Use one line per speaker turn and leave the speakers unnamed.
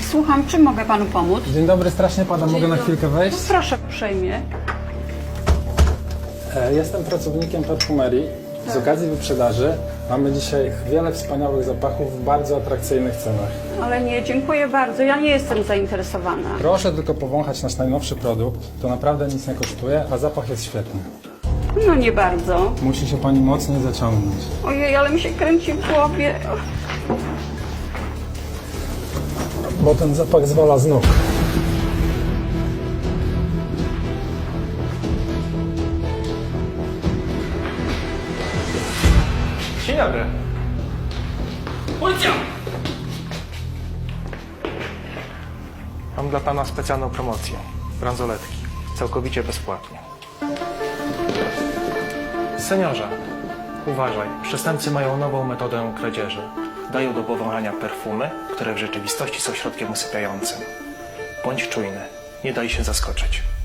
Słucham, czym mogę panu pomóc?
Dzień dobry, strasznie pada. Mogę na chwilkę wejść?
Proszę uprzejmie.
Jestem pracownikiem perfumerii. Z okazji wyprzedaży mamy dzisiaj wiele wspaniałych zapachów w bardzo atrakcyjnych cenach.
Ale nie, dziękuję bardzo. Ja nie jestem zainteresowana.
Proszę tylko powąchać nasz najnowszy produkt. To naprawdę nic nie kosztuje, a zapach jest świetny.
No nie bardzo.
Musi się pani mocniej zaciągnąć.
Ojej, ale mi się kręci w głowie.
Bo ten zapach zwala z nóg.
Dzień dobry. Policja! Mam dla pana specjalną promocję. Bransoletki. Całkowicie bezpłatnie. Seniorze, uważaj. Przestępcy mają nową metodę kradzieży. Dają do powąchania perfumy, które w rzeczywistości są środkiem usypiającym. Bądź czujny. Nie daj się zaskoczyć.